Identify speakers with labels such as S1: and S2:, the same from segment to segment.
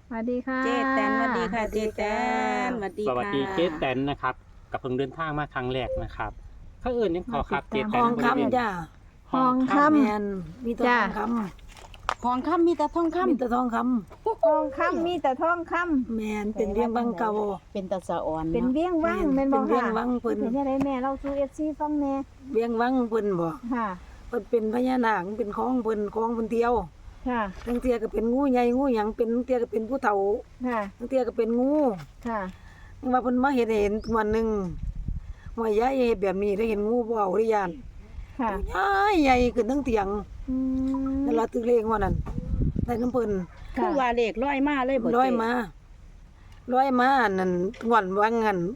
S1: สวัสดีค่ะ
S2: เจ๊แตนสวัสดีค่ะเจ๊แตนสวัสดี
S3: สวัส
S2: ค่ะ
S3: ดีเจ๊แตนนะครับกับเพิ่งเดินทางมาครั้งแรกนะครับเขาเอื่นยังขอครับเจ๊แต
S4: ท
S3: น
S4: อง
S3: บริเวณ
S4: คำจ้า
S1: ทองค
S4: แมนมีแต่ทองค
S2: ทองคำมีแต่ทอง
S4: ำ
S2: คำ
S4: มีแต่ทองค
S1: ำทองคำมีแต่ทองค
S4: ำแมนเป็นเรียงบังเก่า
S2: เป็นตาสะอ่อน
S1: ำเป็น
S2: เนาะ
S1: เวียงวัง
S4: แม่
S1: แม่
S4: น
S1: นบ่
S4: เป็นเวีย
S1: ค่ะ
S4: งวังเพิ่น
S1: เป็นยังไงแม่เราสู่ FC ฟังแน่
S4: เวียงวังเพิ่นบ่
S1: ค่ะ
S4: เพิ่นเป็นพญานาคเป็นของเพิ่นเดียว
S1: ค่ะ
S4: ทั้งเตียก็เป็นงูใหญ่งูหยังเป็นทั้งเตียก็เป็นผู้เฒ่า
S1: ค่ะ
S4: ทั้งเตียก็เป็นงู
S1: ค่ะ
S4: ว่าเพิ่นมาเห็นวันหนึงว่ายายเฮ็ดแบบนี้ได้เห็นงูบ่เอาได้ย่าน
S1: ค่ะ
S4: ใหญ่ขึ้นทั้งเตียง
S1: อืม
S4: นั่นล่ะตึกเลขว่านั่นได้น้ำเพิ่น
S2: คือว่าเลขร้อยมาเลยบ่เจ๊
S4: ร้อยมานั่นงอนวังนั่น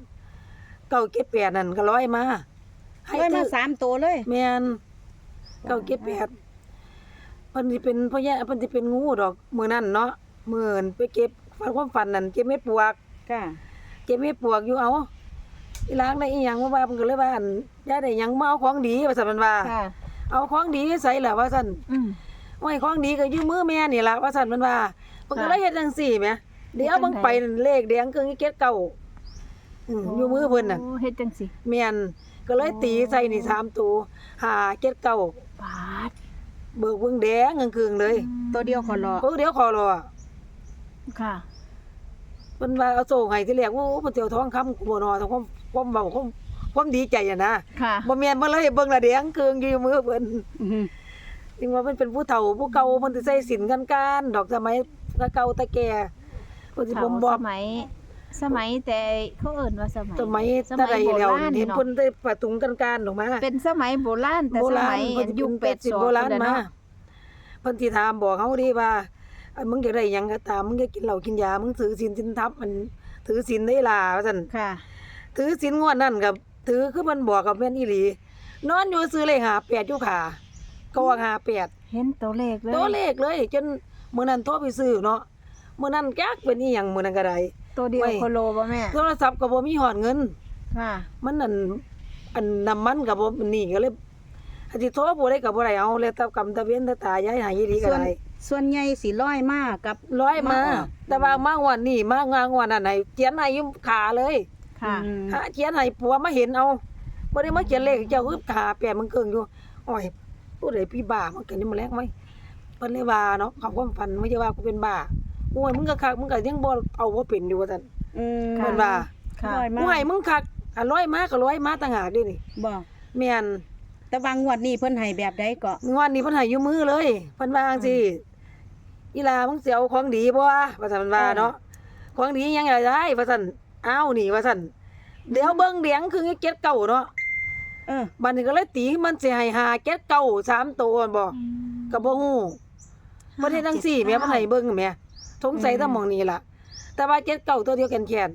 S4: 978นั่นก็ร้อยมา
S2: ร้อยมา3ตัวเลย
S4: แม่น978เพิ่นสิเป็นพ่อแย่เพิ่นสิเป็นงูดอกมื้อนั้นเนาะมื้อนั้นไปเก็บฟันความฝันนั่นเก็บเม็ดปวก
S2: ค่ะ
S4: เก็บเม็ดปวกอยู่เอาอีหลางได้อีหยังมาว่าเพิ่นก็เลยว่าอันยายได้หยังมาเอาของดีว่าซั่นมันว่า
S1: ค่ะ
S4: เอาของดีใส่ล่ะว่าซั่น
S1: อืม
S4: โอ้ยของดีก็อยู่มือแม่นี่ล่ะว่าซั่นมันว่าเพิ่นก็เลยเฮ็ดจังซี่แหมเดี๋ยวเบิ่งไปนั่นเลขแดงครึ่งอีเก็ดเก่าอยู่มือเพิ่นน่ะ
S1: โอ้เฮ็ดจังสิ
S4: แม่นก็เลยตีใส่นี่3ตัว5 7 9
S1: บาด
S4: เบิกเบิ่งแดงกึ่งๆเลย
S2: ตัวเดียวขอรอ
S4: เดี๋ยวขอรอ
S1: ค่ะ
S4: เพิ่นว่าเอาโซ่ให้ที่แรกโอ้เพิ่นสิเอาทองคำกูบ่นอทองความเว้าความดีใจอะนะ
S1: ค่ะ
S4: บ่แม่นบ่เลยเบิ่งละแดงกึ่งอยู่มือเพิ่น
S2: อื้อหือ
S4: ถึงว่าเพิ่นเป็นผู้เฒ่าผู้เก่าเพิ่นสิใส่สินกันดอกสมัยเก่าแต่แก่เพิ่นสิบ่มบอบ
S1: สมัยแต่เขาเอิ้นว่าสมัย
S4: สมัย
S1: ส
S4: แต่
S1: มั
S4: ใด
S1: ยโบ
S4: แล้ว
S1: ราณ
S4: เห็น
S1: เนาะ
S4: เพิ่นได้ประตุงกันออกมา
S1: เป็นสมัยโบราณแต่สมัย
S4: เพิ่นสิ
S1: ยุค
S4: เป็น80โบราณมา
S1: เนาะ
S4: เพิ่นสิถามบอกเฮาดีว่ามึงอยากได้หยังก็ตามมึงอยากกินเหล้ากินยามึงถือศีลสินธรรมมันถือศีลได้ล่ะว่าซั่น
S1: ค่ะ
S4: ถือศีลงวดนั้นกับถือคือมันบอกกับแม่นอีหลีนอนอยู่ซื้อเลข58อยู่ขาก็ว่า58
S1: เห็นตัวเลขเลย
S4: ตัวเลขเลยจนมื้อนั้นโทรไปซื้อเนาะมื้อนั้นจักเป็นอีหยังมื้อนั้นก็ได้
S1: ตัวเดียว
S4: ไว้
S1: โคโลบ่แม่
S4: โทรศัพท์ก็บ่มีฮอดเงิน
S1: ค่ะ
S4: มันอันน้ำมันก็บ่นี่ก็เลยอาจสิโทรบ่ได้ก็บ่ได้เอาแล้วแต่กรรมตะเวนตะตายายให้อีหลีก็ได้
S2: ส่วนใหญ่สิร้อยมากับ
S4: ร้อยมา
S2: ออก
S4: แต่ว่ามางวดนี้มางวดนั้นให้เขียนให้อยู่ขาเลย
S1: ค่ะ
S2: อืม
S4: หาเขียนให้ผัวมาเห็นเอาบ่ได้มาเขียนเลขเจ้าคือขาแปะมันเกิงอยู่อ้อยผู้ใดพี่บ้ามันเกินนี่มันแรงไหมเพิ่นเลยว่าเนาะเขาความฝันไม่ใช่ว่ากูเป็นบ้าโอ้ยมึงก็คักมึงก็ยังบ่เอาบ่เป็นอยู่ว่าซั่น
S2: อืม
S4: เพิ่นว่า
S1: ค่ะ
S2: ร้อยมา
S4: กูให้มึงคักอ่ะร้อยมาก็ร้อยมาต่างหากเด้นี่
S2: บ่
S4: แม่น
S2: แต่ว่างวดนี้เพิ่นให้แบบใดก็
S4: งวดนี้เพิ่นให้อยู่มือเลยเพิ่นว่าจังซี่อีหลามึงสิเอาของดีบ่ว่าซั่นเพิ่นว่าเนาะของดียังไงได้ว่าซั่นอ้าวนี่ว่าซั่นเดี๋ยวเบิ่งเดียงคือเก็ดเก่าเนาะ
S2: เออ
S4: บัดนี้ก็เลยตีมันสิให้5เก็ดเก่า3ตัวบ่ก็บ่ฮู้บ่ได้จังซี่แม่เพิ่นให้เบิ่งแม่สงสัยแต่หม่องนี้ล่ะ แต่ว่าเก็ดเก่าตัวเดียวแขน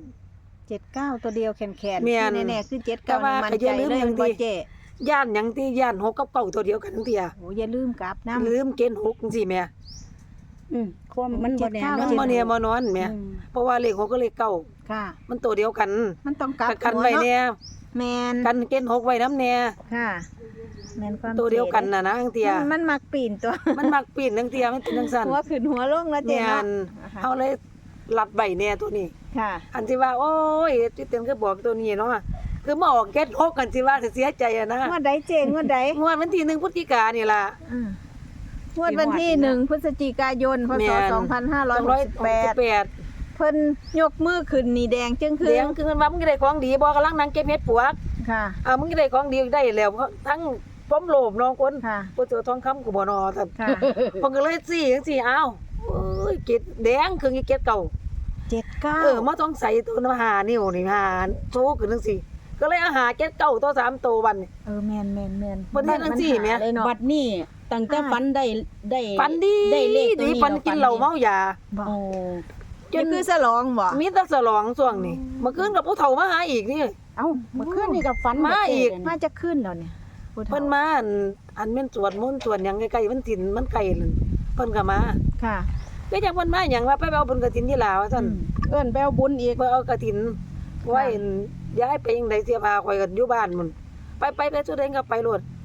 S1: 79ตัวเดียวแขนๆ
S4: แม่น
S1: ที่แน่ๆคือ
S4: แต่ว่า
S1: 79มัน
S4: ก็อ
S1: ใจ
S4: ย่าลืม
S1: เลย
S4: อย่าง
S1: บ่
S4: ที่
S1: เจ๊
S4: ๆย่านหยังที่ย่าน6กับเก่าตัวเดียวกันทั้งเที่ย
S1: โอ้อย่าลืมกลับนำ
S4: ลืมเกณฑ์6จังซี่แม่
S2: ความมันบ่แน่
S4: มัน
S2: เนาะ
S4: บ่แน่บ่นอนแม่เพราะว่าเลข6กับเลขเก่า
S1: ค่ะ
S4: มันตัวเดียวกัน
S1: มันต้องกลับ
S4: ก็กันไว้
S1: หัว
S4: แน่
S1: เนาะแม่น
S4: กันเกณฑ์6ไว้นํแน่
S1: ค่ะแม่นความ
S4: ตัวเดียวกันน่ะนะทั้งเที่ย
S1: มันมักปีนตัว
S4: มันมักปีนทั้งเที่ยมันเป็นจังซั่น
S1: หัวขึ้นหัวลงแล้วเจ๊
S4: แม่
S1: เนาะ
S4: น
S1: นะคะ
S4: เฮาเลยลัดใบแน่ตัวนี้
S1: ค่ะ
S4: อันที่ว่าโอ้ยที่เต็มก็บอกตัวนี้เนาะคือมาออกเก็ต6กันสิว่าสิเสียใจอะนะ
S1: งวดใดเจ๊งวดใด
S4: งวดวันที่1พฤศจิกายนนี่ล่ะ
S1: งวดวันที่1พฤศจิกายนพ
S4: แม่
S1: ศ
S4: น
S1: 2568
S4: 268
S1: เพิ่นยกมือขึ้นนี่แดงจึงคื
S4: เลี้ยงคือมันว่ามึงได้ของดีบ่กำลังนั่งเก็บเฮ็ดปวก
S1: ค่ะ
S4: มึงได้ของดีได้แล้วเพราะทั้งพร้อมโลภน้องคน
S1: ค่ะ
S4: บ่เจอทองคำกูบ่นอซั่น
S1: ค่ะ
S4: เพิ่นก็เลยสิจังซี่อ้าวเอ้ยเก็ดแดงคือเก็ดเก่า
S1: 79
S4: มาต้องใส่ตัวน้ำหานิ้วนี่หาโชขึ้นจังซี่ก็เลยเอาหาเก็ดเก่าตัว3ตัวบัดนี้
S1: แม่น
S4: เพิ่นเฮ็ดจังซี่แหม
S1: เลยเนาะ
S2: บัดนี้ตั้งแต่ฝันได้
S4: ปันดี
S2: ได้เลขตัว
S4: ดี
S2: นี้
S4: ปันกินเหล้าเมายา
S1: บ่
S2: โอ้
S4: จน
S1: นี่คือฉลองบ่
S4: มีแต่ฉลองช่วงนี้เมื่อคืนกับผู้เฒ่ามาหาอีกนี่
S2: เอ้าเมื่อคืนนี่ก็ฝัน
S4: มาอีก
S1: มาจะขึ้นแล้วเนี่ยผู้ฒ่า
S4: เพิ่นมาอันแม่นสวดมนต์สวดหยังใกล้ๆมันถิ่นมันไกลนั่นเพิ่นก็มา
S1: ค่ะ
S4: ก็จังเพิ่นมาหยังว่าไปเอาบุญกฐินที่ลาวว่าซั่น
S2: เอิ้นไปเอาบุญอีก
S4: ไปเอากฐินไว้ย้ายไปจังไดเสียพาข่อยก็อยู่บ้านมุ่นไปสุดเองก็ไปโลด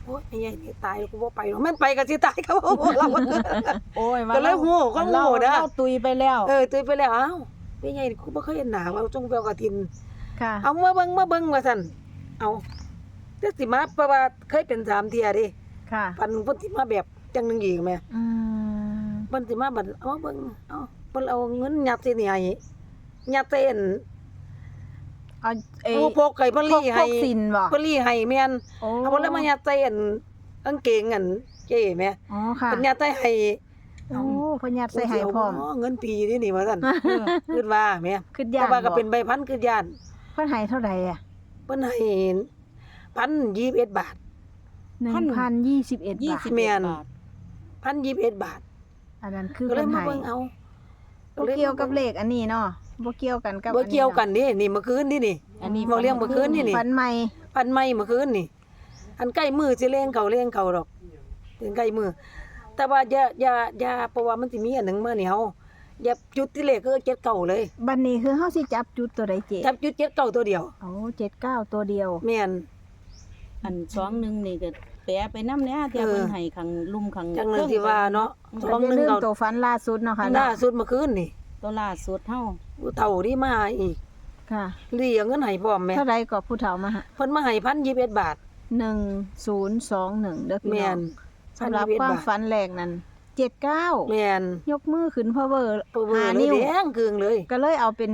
S4: โอ้ยไอ้ใหญ่นี่ตายแล้วกูบ่ไปหรอกแม่นไปก็สิตายก็บ่เรา
S2: โอ้ย
S4: ก็เลยโง่ก็โง่นะ
S2: เราตุยไปแล้ว
S4: ตุยไปแล้วอ้าวไอ้ใหญ่นี่กูบ่เคยเห็นหน้าว่าจงไปเอากฐิน
S1: ค่ะ
S4: เอามาเบิ่งว่าซั่นเอาจักสิมาเพราะว่าเคยเป็น3เที่ยเด้
S1: ค่ะ
S4: ปันเพิ่นสิมาแบบจังหนึงอีกแม่
S1: อืม
S4: เพิ่นสิมาบัดเอามาเบิ่งเอาเพิ่นเอาเงินยัดใส่นี่ให้ยัดใส่อัน
S1: เอาเอ
S4: เอาพกไก่เพิ่นลี่ให้
S1: พกสินบ่
S4: เพิ่นลี่ให้แม่น
S1: โอ้
S4: เอาเพิ่นแล้วมายัดใส่อันกางเกงอันเจ้แม่
S1: อ๋อค่ะ
S4: เพิ่นยัดใส่ให้
S1: โอ้เพิ่นยัดใส่ให้พร้อม
S4: เงินปีนี่นี่ว่าซั่นคิดว่าแม่
S1: คิด
S4: แต่
S1: ย่าน
S4: ว่าก็
S1: บ่
S4: เป็นใบพันคือย่าน
S1: เพิ่นให้เท่าใดอ่ะ
S4: เพิ่นให้1,021 บาท
S1: 1,021 บาท
S4: แม่น
S2: บาท
S4: 1,021 บาท
S1: อันนั้นคือ
S4: ก็เล
S1: เพิ่
S4: ย
S1: น
S4: มา
S1: ให้
S4: เบิ่งเอา
S1: บ่เกี่ยวกับเลขอันนี้เนาะบ่เกี่ยวกันกับ
S4: บ่เกี่ยวกัน
S1: อั
S4: นี่นี่เมื่อคืนนี่นี่
S2: อันนี้
S4: บ่เลี้ยงเมื่อคืนนี่
S1: ฝันใหม่
S4: พันไม้เมื่อคืนนี่ อันใกล้มือสิเล่งเขาดอกเป็นใกล้มือ แต่ว่าอย่าเพราะว่ามันสิมีอันหนึงมานี่เฮาอย่าจุดที่เลขคือเจ็ดเก้าเลย
S1: บัดนี้คือเฮาสิจับจุดตัวใดเจ๊
S4: จับจุดเจ็ดเก้าตัวเดียว
S1: โอ้79ตัวเดียว
S4: แม่น
S2: อัน21นี่ก็แปะไปนำแหน่เที่ยเพิ่นให้ข้างลุ่มข้าง
S4: จังเลยที่ว่าเนาะ
S1: ก็
S4: ของ
S1: อย่า
S4: หนึง
S1: ลืม
S4: เก่า
S1: ตัวฝันล่าสุดเนาะค่ะ
S4: ล่า
S1: เนาะ
S4: สุดเมื่อคืนนี่
S2: ตัวล่าสุดเฮา
S4: ผู้เฒ่าที่มาอีก
S1: ค่ะ
S4: เรียกเงินให้พร้อมแม่
S1: เท่าใดก็ผู้เฒ่ามาฮะ
S4: เพิ่นมาให้1,021 บาท
S1: 1021เด้อพี่
S4: แม่
S1: น้อน งสำหรับ
S4: 1,021
S1: ความ
S4: บาท
S1: ฝันแรกนั้น79
S4: แม่น
S1: ยกมือขึ้นพาวเวอร์
S4: เปิ้น
S1: 5
S4: เลย
S1: นิ้ว
S4: แดงกึ่งเลย
S1: ก็เลยเอาเป็น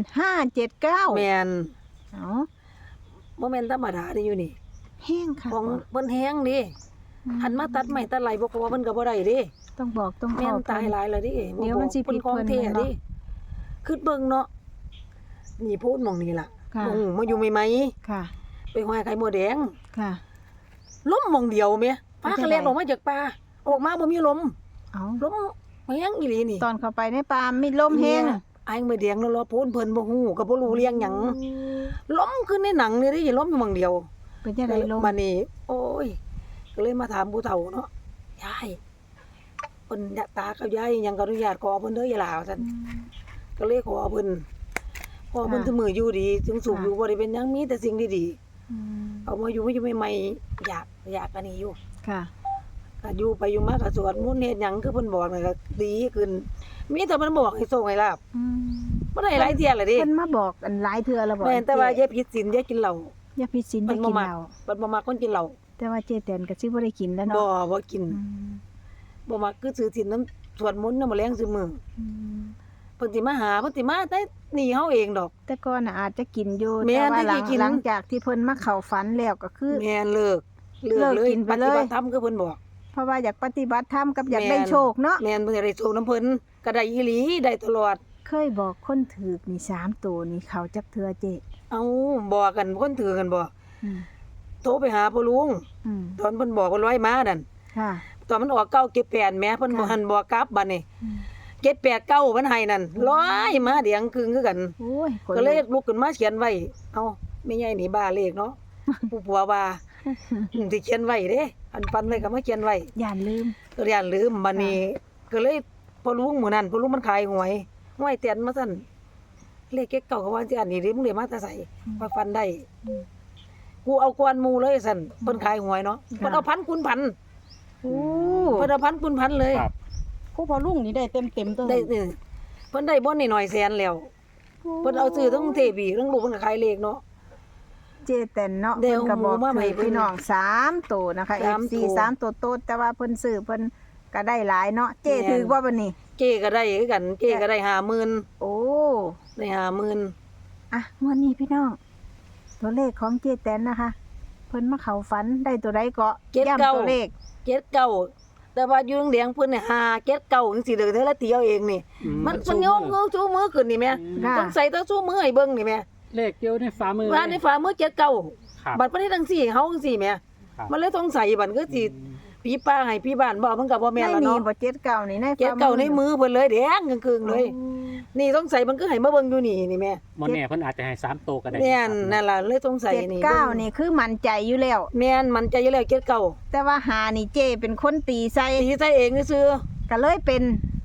S1: 579
S4: แม่น
S1: เอ้า
S4: บ่แม่นธรรมดาเด้อยู่นี่
S1: แห้งค่ะ
S4: ของเพิ่นแฮงดิหันมาตัดไม้ตัดไหลบ่ขอเพิ่นก็บ่ได้เด้
S1: ต้องบอกต้องข
S4: แม่
S1: อน
S4: ตายหลายแล้วดิ
S1: เดี๋ยวมันสิผิด
S4: ของ
S1: เพิ่น
S4: แท้
S1: แม่นบ่
S4: ดิคือเบิ่งเนาะนี่พูดหม่องนี้ล่ะ
S1: ค่ะ
S4: หม่องมาอยู่ใหม่
S1: ค่ะ
S4: ๆไปห้อยไข่มดแดง
S1: ค่ะ
S4: ล้มหม่องเดียวแม่ปลา
S1: เป็นจั
S4: ก็
S1: งได๋
S4: เล่นออกมาจากป่าออกมาบ่มีลม
S1: เอ้า
S4: ลมแฮงอีหลีนี่
S1: ตอนเข้าไปในป่ามีลมแห้ง
S4: เนี่ยไอ้มดแดงแล้วรอพูนเพิ่นบ่ฮู้ก็บ่รู้เรื่องหยังล้มขึ้นในหนังนี่ดิล้มอยู่หม่องเดียว
S1: เป็นจังไดลม
S4: บัดนี้โอ้ยก็เลยมาถามผู้เฒ่าเนาะยายเพิ่นอยากตากับยายหยังก็อนุญาตขอเพิ่นเด้ออย่าลาว่าซั่น ก็เลยขอเพิ่นพอเพิ่น
S1: ค่ะ
S4: ถึงมืออยู่ดีถึงสุข
S1: ค่ะ
S4: อยู่บ่ได้เป็นหยังมีแต่สิ่งดี
S1: อืม
S4: ๆเอามาอยู่ใหม่ๆอยากอันนี้อยู่
S1: ค่ะ
S4: ก็อยู่ไปอยู่มาก็สวดมนต์เฮ็ดหยังคือเพิ่นบอกนั่นก็ดีขึ้นมีแต่มันบอกให้โชคให้ลาบ
S1: อืม
S4: บ่ได้หลายเที่ยแล้วดิ
S1: เพิ่นมาบอกอันหลายเทื่อแล้วบอก
S4: แม่นแต่ว่าอ
S1: เจ๊
S4: ย่าผิดศีลอย่ากินเหล้า
S1: อย่าผิดศีลอย่า
S4: บ่
S1: กิน
S4: มัก
S1: เหล้า
S4: มันบ่มักคนกินเหล้า
S1: แต่ว่าเจ๊แตนก็สิบ่ได้กินแล้ว
S4: บ่
S1: เนาะ
S4: บ่กิน
S1: อืม
S4: บ่มักคือถือศีลนำสวดมนต์นำมื้อแลงซุมื้อ
S1: อืม
S4: เพิ่นสิมาหาเพิ่นสิมาแต่หนีเฮาเองดอก
S1: แต่ก่อนน่ะอาจจะกินอยู่
S4: แม่
S1: แต่
S4: น
S1: ว่า
S4: แต่สิกิน
S1: หลังจากที่เพิ่นมาเข้าฝันแล้วก็คือ
S4: แม่นเลิก
S1: เลิก
S4: เลย
S1: กินไป
S4: ป
S1: เลย
S4: ฏิบัติธรรมคือเพิ่นบอก
S1: เพราะว่าอยากปฏิบัติธรรมกับอยาก
S4: แม่น
S1: ได้โชคเนาะ
S4: แม่นเพิ่นจะได้โชคน้ำเพิ่นก็ได้อีหลีได้ตลอด
S1: เคยบอกคนถูกนี่3ตัวนี่เขาจักเทื่อเจ๊
S4: เอาบอกกันคนถือกันบ่
S1: อืม
S4: โทรไปหาพ่อลุง
S1: อืม
S4: ตอนเพิ่นบอกว่าร้อยมานั่น
S1: ค่ะ
S4: ตอนมันออกเก้าเก็บแปดแหม่เพิ่นบ่
S1: ค่ะ
S4: หันบอกกลับบัดนี้
S1: อืม
S4: เก็บแปดเก้าเพิ่นให้นั่นร้อยมาเดียงครึ่งคือกัน
S1: โอ้ยคน
S4: ก็เลยลุกขึ้นมาเขียนไว้เอ้าแม่ใหญ่นี่บ้าเลขเนาะ ผู้ผัวว่าสิเขียนไว้เด้อันปันไว้ก็มาเขียนไว้
S1: ย่านลืม
S4: ก็ย่านลืมบัดนี้ก็เลยพ่อลุงมื้อนั้นพ่อลุงมันขายหวยห้วยเตียนมาซั่นเลขเก็บเก่าก็ว่าสิอันนี้เด้มึงได้มาแต่ไสว่าฟันได้
S1: อืม
S4: กูเอากวนหมู่เลยซั่นเพิ่นขายหวยเนาะเพิ่นเอาพันคูณพัน
S1: โอ้
S4: เพิ่นเอาพันคูณพันเลย
S3: ครับ
S2: ผู้พอลุงนี่ได้เต็มๆตัว
S4: ได้นี่เพิ่นได้บ่นี่หน่อยแสนแล้วเพิ่นเอาซื้อทั้งเทพีทั้งลูกเพิ่นก็ขายเลขเนาะ
S1: เจแตนเนาะ
S4: เดี๋
S1: เพิ่
S4: ยวน
S1: ก็บอก
S4: หมู่มาใหม่
S1: ถือพี่น้อง3ตัวนะคะ
S4: สาม
S1: FC
S4: ตัว
S1: 3ตัวโตดแต่ว่าเพิ่นซื้อเพิ่นก็ได้หลายเนาะเจ
S4: แม่น
S1: ถือว่าบัดนี้
S4: เจก็ได้คือกันเจก็ได้ 50,000
S1: โอ้
S4: ได้ 50,000
S1: อ่ะงวดนี้พี่น้อง ตัวเลขของเจแตนนะคะ เพิ่นมาเข้าฝันได้ตัวใดก็ย้ำตัวเลข
S4: 79แต่ว่าอยู่โรงเรียนเพิ่นเนี่ย579จังซี่เด้อเธอละตีเอาเองนี่มันยกมือชูมือขึ้นนี่แม่
S1: ค่ะ
S4: ต้องใส่ต้องชูมือให้เบิ่งนี่แม่
S3: เลขเดียวในฝ่ามือ
S4: ว่าในฝ่ามือ79
S3: ครับ
S4: บัดบ่ได้จังซี่เฮาจังซี่แม่
S3: ครับ
S4: มันเลยต้องใส่บัดก็สิพี่ป้าให้พี่บ้านบ่มันก็บ่แม่น
S1: ใน
S4: แล้ว
S1: นี่
S4: เนาะ
S1: บ่79นี่ใน
S4: เก็บเก่าในมือเพิ่นเลยแดงกึ่งๆเลย
S1: โอ้
S4: นี่ต้องใส่มันก็ให้มาเบิ่งอยู่นี่นี่แม่
S3: มอนแน่เพิ่นอาจจะให้3โตวก็ได้
S4: แม่น
S3: ครับ
S4: นั่นล่ะเลยต้องใส่นี่
S1: 79นี่คือมั่นใจอยู่แล้ว
S4: แม่นมันใจอยู่แล้วเก็บเก่า
S1: แต่ว่าหานี่เจเป็นคนตีใส่
S4: ตีใส่เองซื่อ
S1: ก็เลยเป็น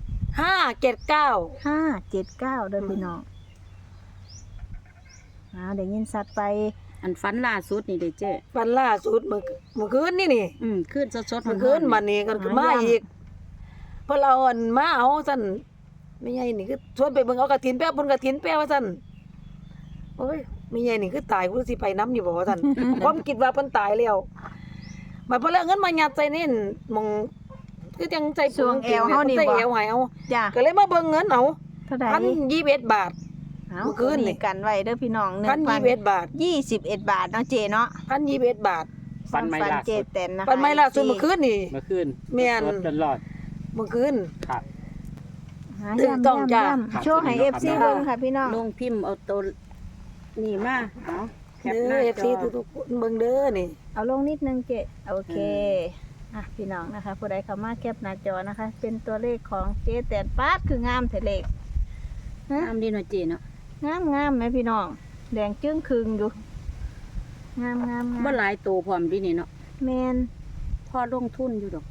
S4: 579
S1: 579เด้อพี่น้องได้ยินสัตว์ไป
S2: อันฝันล่าสุดนี่เด้เจ้
S4: ฝันล่าสุดเมื่อคืนนี่
S2: ขึ้นสดๆ
S4: เมื่อคืนบัดนี้ก็มาอีกเพิ่นเอาอันมาเอาซั่นไม่ใหญ่นี่คือชวนไปเบิ่งเอากฐินแป๊บเพิ่นกฐินแป๊บว่าซั่นโอ้ยไม่ใหญ่นี่คือตายกูสิไปนำอยู่บ่ว่าซั่น ความคิดว่าเพิ่นตายแล้วบัดเพิ่นเอาเงินมายัดใส่นี่มองคือจังใจ
S1: ช่วงแอวเฮานี่บ่
S4: ใส่แอวให้เอา
S1: จ้ะ
S4: ก็เลยมาเบิ่งเงินเอา
S1: เท่าใด
S4: 1,021 บาท
S1: เอา
S4: เมื่อคืนนี่
S1: กันไว้เด้อพี่น้อง
S4: 1,021 บาท
S1: 1,021 บาทเนาะเจเนาะ
S4: 1,021 บาท
S3: ฟันไม่ล่า
S1: เจ
S3: สุด
S1: แตนนะคะ
S4: ปันไม่ล่าสุดเมื่อคืนนี่
S3: เมื่อคืน
S4: แม่น
S3: รถจนรอด
S4: เมื่อคืน
S3: ครับ
S1: หา
S4: ถูกต้องจ้ะ
S1: ย่ำโชว์ให้ FC
S3: ครับ
S1: เบิ่งค่ะพี่น้อง
S2: ลงพิมพ์เอาตัวนี่มาเอาแคป
S4: เด้
S2: หน้า
S4: อ
S2: จ
S4: FC
S2: อ
S4: ทุกๆคนเบิ่งเด้อนี่
S1: เอาลงนิดนึงเจโอเคพี่น้องนะคะผู้ใดเข้ามาแคปหน้าจอนะคะ เป็นตัวเลขของเจแตนปาดคืองามแต่เลข
S2: ตามดีหน่อยเจ้เนาะ
S1: งามไหมพี่น้องแดงจึ้งคึงอยู่งาม
S2: บ่หลายตัวพร้อมดีนี่เนาะ
S1: แมน
S2: พอลงทุนอยู่ดอก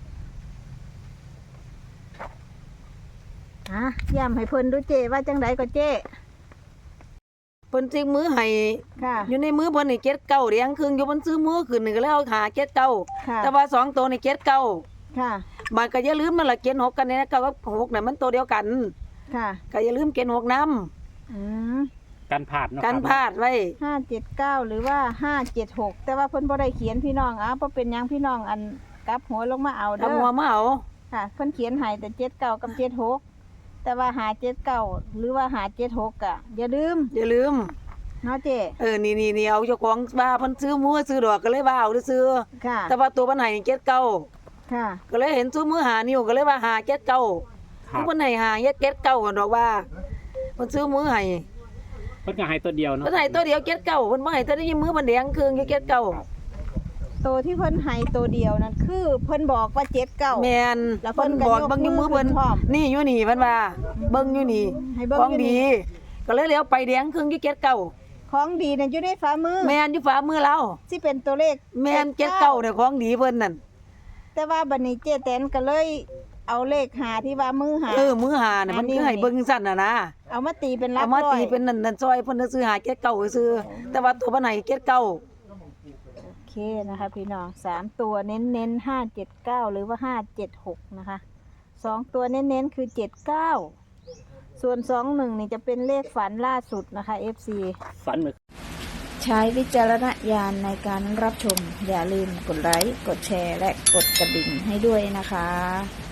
S1: ย้ำให้เพิ่นดูเจว่าจังไดก็เจ
S4: เพิ่นสิมือให้
S1: ค่ะ
S4: อยู่ในมือเพิ่นนี่7เก้าเรียงครึ่งอยู่เพิ่นซื้อมือขึ้นนี่ก็เลยเอาหา7เก้า
S1: ค่ะ
S4: แต่ว่า2ตัวนี่7เก้า
S1: ค่ะ
S4: บาดก็อย่าลืมนั่นล่ะ7 6กันนี่นะ9กับ6น่ะมันตัวเดียวกัน
S1: ค่ะ
S4: ก็อย่าลืม7 6นำ
S1: อืม
S3: การผ่านเนาะ
S4: กัน
S3: ครับ
S4: พลาดไว้
S1: 579หรือว่า576แต่ว่าเพิ่นบ่ได้เขียนพี่น้องบ่เป็นหยังพี่น้องอันกลับหัวลงมาเอาเด้
S4: ทำหั
S1: อ
S4: วมาเอา
S1: ค่ะเพิ่นเขียนให้แต่79กับ76แต่ว่า579หรือว่า576ก็อย่าลืม
S4: อย่าลืม
S1: เนาะเจ
S4: นี่เอาเจ้าของว่าเพิ่นซื้อมือซื้อดอกก็เลยว่าเอาซื้อ
S1: ค่ะ
S4: แต่ว่าตัวเพิ่นให้นี่7เก้า
S1: ค่ะ
S4: ก็เลยเห็นซื้อมือหานิ้วก็เลยว่าหา7เก้า
S3: ครับ
S4: เพิ่นให้หา7เก้ากันดอกว่าเพิ่นซื้อมือให้
S3: เพิ่นก็ให้ตัวเดียวเนาะ
S4: เพิ่นให้ตัวเดียว7เก้าเพิ่นบ่ให้ตัวนี้มือมันแดงเครื่องอยู่7เก้า
S1: ตัวที่เพิ่นให้ตัวเดียวนั่นคือเพิ่นบอกว่า79
S4: แม่น
S1: แล้วเพิ่
S4: เพิ่
S1: น
S4: น
S1: ก็
S4: บอก
S1: ยก
S4: เบิ่งอยู่มือ
S1: มือ
S4: เพิ่น
S1: ขึ้นพร้อม
S4: นี่อยู่นี่เพิ่นว่าเบิ่งอยู่นี่
S1: ให้เบิ่ง
S4: ของ
S1: อยู่
S4: ดี
S1: นี่
S4: ก็เลยเลี้ยวไปแดงเครื่องอยู่7เก้า
S1: ของดีนั่นอยู่ในฝ่ามือ
S4: แม่นอยู่ฝ่ามือเรา
S1: สิเป็นตัวเลข
S4: แม่น7เก้าเนี่ยของดีเพิ่นนั่น
S1: แต่ว่าบัดนี้เจแตนก็เลยเอาเลขหาที่ว่ามือหา
S4: มือหาน่ะมันคือให้เบิ่งสั่นน่ะนะ
S1: เอามาตีเป็นหลัก
S4: เอามา
S1: ร้อย
S4: ตีเป็นนั่นซอยเพิ่นซื้อหา7เก้าซื้อแต่ว่าตัวเพิ่นให้7เก้า
S1: โอเคนะคะพี่น้อง3ตัวเน้นๆ579หรือว่า576นะคะ2ตัวเน้นๆคือ79ส่วน21นี่จะเป็นเลขฝันล่าสุดนะคะ FC
S3: ฝันเมื่อ
S1: ใช้วิจารณญาณในการรับชมอย่าลืมกดไลค์กดแชร์และกดกระดิ่งให้ด้วยนะคะ